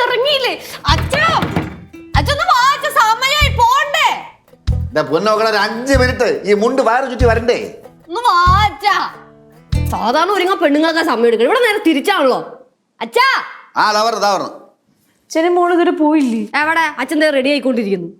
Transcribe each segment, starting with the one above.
ഇറങ്ങിയില്ലേ അച്ഛാ? അച്ഛന്ന് വാച്ച സമയായി പോണ്ടേ? പൊന്നോക്കളെ ഒരു 5 മിനിറ്റ് ഈ മുണ്ട് വയറ് ചുറ്റി വരണ്ടേ? ഒന്ന് വാച്ചാ. സാധാരണ ഒരുങ്ങാൻ പെണ്ണുങ്ങൾക്ക് സമയം എടുക്കണം. ഇവിടെ നേരെ തിരിച്ചാണല്ലോ. അച്ഛാ അച്ഛനും മോള് ഇതുവരെ പോയില്ലേ? എവിടെ? അച്ഛൻ റെഡി ആയിക്കൊണ്ടിരിക്കുന്നു.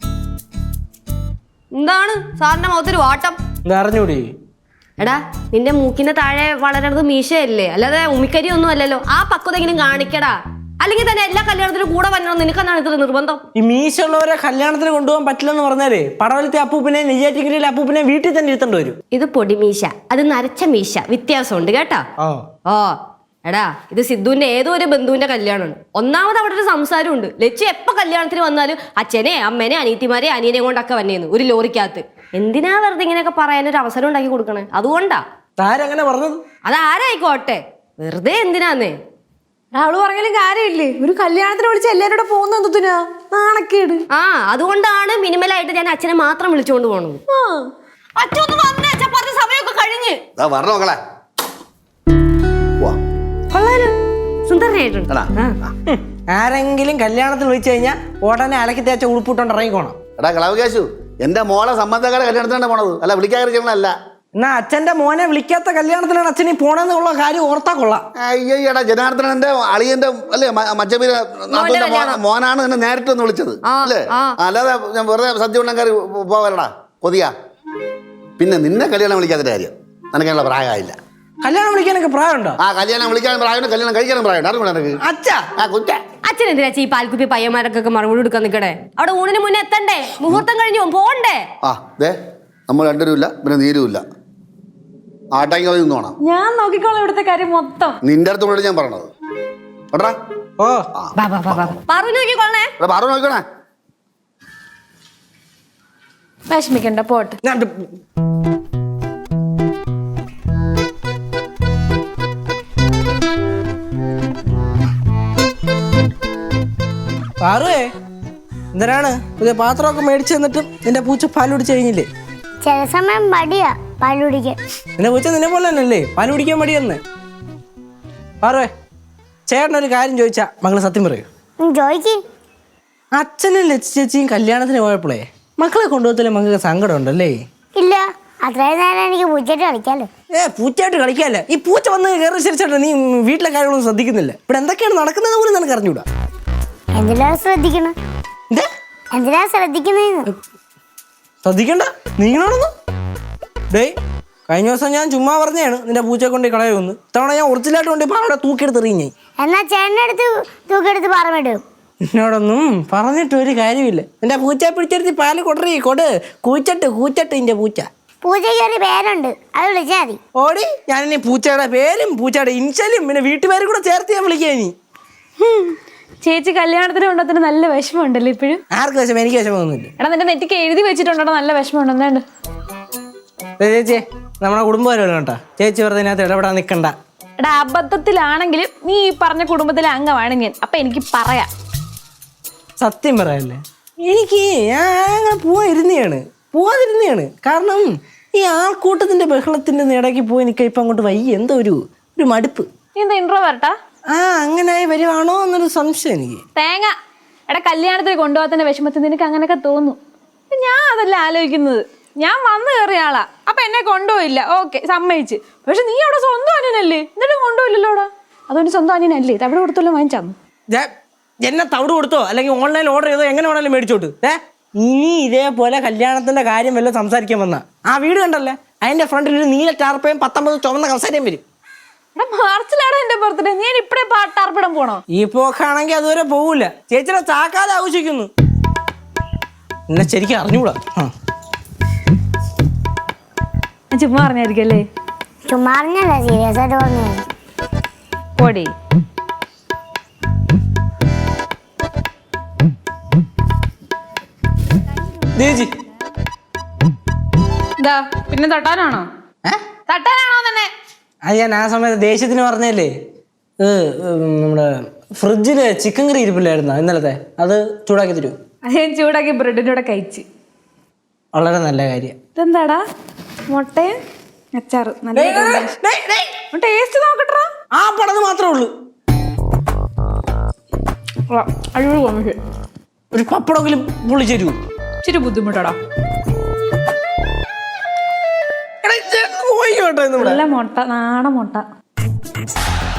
എന്താണ് സാറിന്റെ മുഖത്തൊരു വാട്ടം? അറിഞ്ഞൂടി? എടാ നിന്റെ മൂക്കിന്റെ താഴെ വളരുന്നത് മീശയല്ലേ, അല്ലാതെ ഉമിക്കരി ഒന്നും അല്ലല്ലോ. ആ പക്വതെങ്കിലും കാണിക്കടാ. അല്ലെങ്കിൽ തന്നെ എല്ലാ കല്യാണത്തിനും കൂടെ വരണം. നിനക്കെന്താണ് ഇത്ര നിർബന്ധം? ഈ മീശുള്ളവരെ കല്യാണത്തിന് കൊണ്ടുപോകാൻ പറ്റില്ലെന്ന് പറഞ്ഞാലേ പടവലത്തെ അപ്പൂപ്പിനെ നെയ്യാറ്റിക്കരയിലെ അപ്പൂപ്പിനെ വീട്ടിൽ തന്നെ ഇരുത്തേണ്ടി വരും. ഇത് പൊടിമീശ, അത് നരച്ച മീശ, വ്യത്യാസമുണ്ട് കേട്ടോ. ഓ എടാ ഇത് സിദ്ധുവിന്റെ ഏതോ ഒരു ബന്ധുവിന്റെ കല്യാണമാണ്. ഒന്നാമത് അവിടെ ഒരു സംസാരമുണ്ട്. ലച്ചു എപ്പോ കല്യാണത്തിന് വന്നാലും അച്ഛനെ അമ്മേനെ അനിയത്തിമാരെ അനിയനെ കൊണ്ടൊക്കെ വന്നേന്ന് ഒരു ലോറിക്കകത്ത്. എന്തിനാ വെറുതെ ഇങ്ങനെയൊക്കെ പറയാനൊരു അവസരം ഉണ്ടാക്കി കൊടുക്കണേ? അതുകൊണ്ടാ. ആരങ്ങനെ പറഞ്ഞത്? അതാരായിക്കോട്ടെ, വെറുതെ എന്തിനാന്നേ. അവള് പറഞ്ഞാലും കാര്യമില്ലേ? ഒരു കല്യാണത്തിന് വിളിച്ച് എല്ലാവരും കൂടെ പോകുന്ന എന്തിനാ? നാണക്കേട്. അതുകൊണ്ടാണ് മിനിമലായിട്ട് ഞാൻ അച്ഛനെ മാത്രം വിളിച്ചുകൊണ്ട് പോണത്. അച്ഛൻ വന്നേ, അച്ഛൻ പറഞ്ഞ സമയമൊക്കെ കഴിഞ്ഞ്. സുന്ദരനായിട്ടുണ്ട്. ആരെങ്കിലും കല്യാണത്തിന് വിളിച്ചു കഴിഞ്ഞാൽ ഉടനെ അലക്കി തേച്ച ഉടുപ്പിട്ടോണ്ട് ഇറങ്ങിക്കോണം. എടാ കളവകാശു, എന്റെ മോളെ സംബന്ധക്കാരെ കല്യാണത്തിനാണ് പോണത്, അല്ല വിളിക്കാതെ ചെയ്യണല്ല. എന്നാ അച്ഛന്റെ മോനെ വിളിക്കാത്ത കല്യാണത്തിലാണ് അച്ഛനീ പോണെന്നുള്ള കാര്യം ഓർത്താ കൊള്ളാം. അയ്യടാ ജനാർദ്ദനന്റെ അളിയന്റെ അല്ലേ മച്ചബീര മോനാണ് എന്നെ നേരിട്ട് ഒന്ന് വിളിച്ചത് അല്ലേ? അല്ലാതെ ഞാൻ വെറുതെ സദ്യ ഉണ്ടാക്കാർ പോകലടാ കൊതിയാ. പിന്നെ നിന്നെ കല്യാണം വിളിക്കാത്ത കാര്യം നിനക്കുള്ള പ്രായമായില്ല. കല്യാണം വിളിക്കാനൊക്കെ പ്രായമുണ്ടോ? കല്യാണം വിളിക്കാനും പ്രായമുണ്ട്, കല്യാണം കഴിക്കാനും പ്രായമുണ്ട്. അച്ഛൻ എന്തിനാ ഈ പാൽക്കുപ്പി പയ്യന്മാരൊക്കെ മറുപടി കൊടുക്കാൻ നിൽക്കണേ? അവിടെ ഊണിന് മുന്നേ എത്തണ്ടേ? മുഹൂർത്തം കഴിഞ്ഞു പോണ്ടേ? നമ്മൾ രണ്ടുപേരുമില്ല, പിന്നെ നീരുമില്ല. ആട്ടാക്കി നിന്നോണം. ഞാൻ നോക്കിക്കോളാം ഇവിടുത്തെ കാര്യം മൊത്തം. നിന്റെ അടുത്തോട് ഞാൻ പറഞ്ഞത് നോക്കണേ. വിഷമിക്കണ്ട, പോട്ടെ. പാറുവേ, എന്തിനാണ് പുതിയ പാത്രമൊക്കെ മേടിച്ചു തന്നിട്ടും നിന്റെ പൂച്ച പാൽ കുടിച്ചു കഴിഞ്ഞില്ലേ? ചില സമയം മടിയാ പാൽ കുടിക്കാൻ. നിന്റെ പൂച്ച നിന്നെ പോലെ തന്നെയല്ലേ പാൽ കുടിക്കാൻ മടിയെന്ന്? പാറുവേ, ചേട്ടനൊരു കാര്യം ചോദിച്ചാ മകള് സത്യം പറയൂ? ചോദിക്ക്. അച്ഛനും ലച്ചു ചേച്ചിയും കല്യാണത്തിന് പോയപ്പോഴേ മക്കളെ കൊണ്ടുപോകത്തില്ലേ മകൾക്ക് സങ്കടം ഉണ്ടല്ലേ? ഇല്ല, അത്രയും നേരം എനിക്ക് പൂച്ചയായിട്ട് കളിക്കാലോ. പൂച്ചയായിട്ട് കളിക്കാല്ലേ? ഈ പൂച്ച വന്ന് കയറി ശരിച്ചേട്ടാ നീ വീട്ടിലെ കാര്യങ്ങളൊന്നും ശ്രദ്ധിക്കുന്നില്ല. ഇവിടെ എന്തൊക്കെയാണ് നടക്കുന്നത് പോലും നിനക്ക് അറിഞ്ഞൂടാ. എന്തിനാ ശ്രദ്ധിക്കണം? എന്തിനാ ശ്രദ്ധിക്കുന്ന? ശ്രദ്ധിക്കണ്ട നീങ്ങളാണെന്ന്. ഡേയ്, കഴിഞ്ഞ ദിവസം ഞാൻ ചുമ്മാ പറഞ്ഞാണ് നിന്റെ പൂച്ചയെ കൊണ്ട് കളയുമെന്ന്. ഇത്തവണ ഞാൻ ഒറിജിനലായിട്ട് കൊണ്ട് പാറയുടെ തൂക്കിയെടുത്ത് എറിഞ്ഞേ. എന്നാ ചേട്ടനടുത്ത് തൂക്കിയെടുത്ത് പാറമിടും. എന്നോടൊന്നും പറഞ്ഞിട്ട് ഒരു കാര്യമില്ല. നിന്റെ പൂച്ചയെ പിടിച്ചെടുത്ത് പാല് കൂച്ചട്ട് നിന്റെ പൂച്ച. പൂച്ചയ്ക്ക് ഒരു പേരുണ്ട്, അത് വിളിച്ചാൽ മതി. ഓടി, ഞാനിനി പൂച്ചയുടെ പേരും പൂച്ചയുടെ ഇൻഷലും പിന്നെ വീട്ടുപേരും കൂടെ ചേർത്ത് ഞാൻ വിളിക്കാ. ഇനി ചേച്ചി കല്യാണത്തിന് കൊണ്ടത്തിന് നല്ല വിഷമം ഉണ്ടല്ലോ ഇപ്പോഴും. ആർക്ക് വിഷമം? എനിക്ക് വിഷമമൊന്നുമില്ല. എടാ നിന്റെ നെറ്റിക്ക് എഴുതി വെച്ചിട്ടുണ്ടോ നല്ല വിഷമം ഉണ്ടെന്നുണ്ട്. ചേച്ചി നമ്മുടെ കുടുംബപരമല്ല കേട്ടോ. ചേച്ചി വെറുതെ ഇതിനകത്ത് ഇടപെടാൻ നിൽക്കണ്ട. എടാ അബദ്ധത്തിലാണെങ്കിലും നീ ഈ പറഞ്ഞ കുടുംബത്തിലെ അംഗമാണ് ഞാൻ. അപ്പൊ എനിക്ക് പറയാം. സത്യം പറയല്ലേ, എനിക്ക് ഞാൻ അങ്ങനെ പോവാതിരുന്നതാണ്. കാരണം ഈ ആൾക്കൂട്ടത്തിന്റെ ബഹളത്തിന്റെ ഇടയ്ക്ക് പോയി എനിക്ക് ഇപ്പം അങ്ങോട്ട് വയ്യ. എന്തോ ഒരു മടുപ്പ്. എന്താ ഇൻട്രോവേർട്ടാ? അങ്ങനെ വരുവാണോ എന്നൊരു സംശയം എനിക്ക്. തേങ്ങ. എടാ കല്യാണത്തിന് കൊണ്ടുപോകാത്തതിന്റെ വിഷമത്തിൽ നിനക്ക് അങ്ങനെയൊക്കെ തോന്നും. ഞാൻ അതല്ല ആലോചിക്കുന്നത്. ഞാൻ വന്നു കയറിയ ആളാ, അപ്പൊ എന്നെ കൊണ്ടുപോയില്ല, ഓക്കെ സമ്മതിച്ച്. പക്ഷെ നീ അവിടെ സ്വന്തം അനിയനല്ലേ, എന്നിട്ടും കൊണ്ടുപോയില്ലല്ലോ. അവിടെ അതുകൊണ്ട് സ്വന്തം അനിയനല്ലേ, തവിടെ കൊടുത്തല്ലോ വാങ്ങിച്ചാന്നു. എന്നെ തവിട് കൊടുത്തോ അല്ലെങ്കിൽ ഓൺലൈൻ ഓർഡർ ചെയ്തോ എങ്ങനെ വേണേലും മേടിച്ചോട്ട്. ഇനി ഇതേപോലെ കല്യാണത്തിന്റെ കാര്യം വല്ലതും സംസാരിക്കാൻ വന്ന ആ വീട് കണ്ടല്ലേ, അതിന്റെ ഫ്രണ്ടിൽ ഒരു നീല ടാർപ്പയും 19 ചുവന്ന കസേരയും വരും. മാർച്ചിലാണ് എന്റെ ബർത്ത്ഡേ, ഞാൻ ഇപ്പഴേ ടാർപ്പിടാൻ പോണോ? ഈ പോക്കാണെങ്കിൽ അതുവരെ പോകൂല. ചേച്ചിയുടെ ചാക്കാതെ ആവശ്യിക്കുന്നു. എന്നെ ശരിക്കും അറിഞ്ഞൂടാ. ചുമ്മാ പറഞ്ഞായിരിക്കും അല്ലേ? ചുമ്മാ പറഞ്ഞല്ല, സീരിയസ് ആയിട്ട് പറഞ്ഞു. പോടി. പിന്നെ തട്ടാനാണോ തന്നെ? അത് ഞാൻ ആ സമയത്ത് ദേഷ്യത്തിന് പറഞ്ഞല്ലേ. നമ്മുടെ ഫ്രിഡ്ജില് ചിക്കൻ കറി ഇരിപ്പില്ലായിരുന്നോ ഇന്നലത്തെ? അത് ചൂടാക്കി തരൂ. അത് ഞാൻ ചൂടാക്കി ബ്രെഡിൻ്റെ കൂടെ കഴിച്ച്. വളരെ നല്ല കാര്യം. ഇതെന്താടാ? മുട്ടയും അച്ചാറ്. നല്ല ടേസ്റ്റ് നോക്കട്ടാ. ആ പടന്ന് മാത്രമേ ഉള്ളൂ. അടിപൊളി കോമ്പിനേഷൻ. ഒരു പപ്പടമെങ്കിലും പൊള്ളിച്ചു തരൂ. ഇച്ചിരി ബുദ്ധിമുട്ടാടാ. എടാ, ചേട്ടന് പോയിക്കോട്ടെ ഇന്ന് ഇവിടെ. നല്ല മുട്ട, നാടൻ മുട്ട.